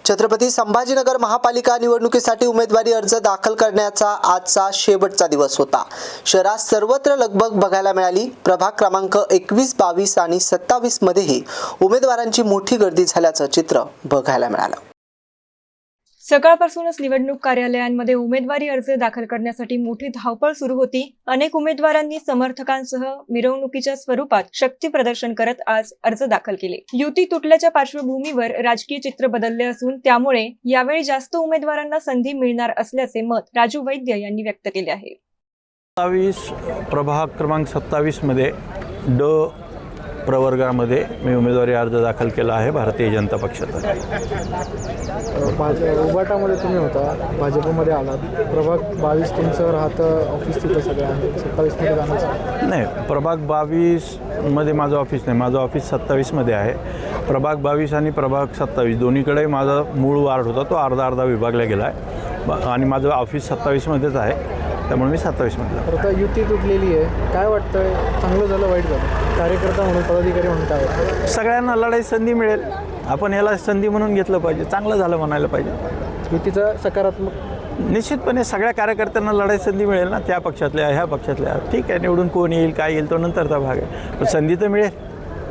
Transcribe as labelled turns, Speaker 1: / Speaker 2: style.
Speaker 1: छत्रपती संभाजीनगर महापालिका निवडणुकीसाठी उमेदवारी अर्ज दाखल करण्याचा आजचा शेवटचा दिवस होता। शहरात सर्वत्र लगबग बघायला मिळाली। प्रभाग क्रमांक 21, 22 आणि 27 मध्येही उमेदवारांची मोठी गर्दी झाल्याचं चित्र बघायला मिळालं।
Speaker 2: सकाळपासूनच निवडणूक कार्यालयांमध्ये उमेदवारी अर्ज दाखल करण्यासाठी मोठी धावपळ सुरू होती। अनेक उमेदवारांनी समर्थकांसह मिरवणुकीच्या स्वरूपात शक्ती प्रदर्शन करत आज अर्ज दाखल केले। युती तुटल्याच्या पार्श्वभूमीवर राजकीय चित्र बदलले असून त्यामुळे यावेळी जास्त उमेदवारांना संधी मिळणार असल्याचे मत राजू वैद्य यांनी व्यक्त केले आहे।
Speaker 3: 27 प्रभाग क्रमांक 27 मध्ये ड प्रवर्गामध्ये मी उमेदवारी अर्ज दाखल केला आहे भारतीय जनता पक्षाचा।
Speaker 4: उबाटामध्ये तुम्ही होता, भाजपमध्ये आलात। प्रभाग 22 तुमचं राहतं ऑफिस तिथं सगळं आहे, 27 मध्ये जाण्याचं
Speaker 3: नाही, प्रभाग 22 मध्ये माझं ऑफिस नाही, माझं ऑफिस 27 मध्ये आहे। प्रभाग 22 आणि प्रभाग 27 दोन्हीकडे माझा मूळ वार्ड होता, तो अर्धा विभागला गेला आहे आणि माझं ऑफिस 27 मध्येच आहे, त्यामुळे मी 27 मध्ये।
Speaker 4: तर आता युती तुटलेली आहे, काय वाटतंय? चांगलं झालं वाईट झालं? कार्यकर्ता म्हणून, पदाधिकारी म्हणून काय वाटतं?
Speaker 3: सगळ्यांना लढाई संधी मिळेल, आपण याला संधी म्हणून घेतलं पाहिजे, चांगलं झालं म्हणायला पाहिजे।
Speaker 4: युतीचा सकारात्मक
Speaker 3: निश्चितपणे सगळ्या कार्यकर्त्यांना लढाई संधी मिळेल ना, त्या पक्षातल्या ह्या पक्षातल्या। ठीक आहे, निवडून कोण येईल काय येईल तो नंतरचा भाग आहे, पण संधी तर मिळेल।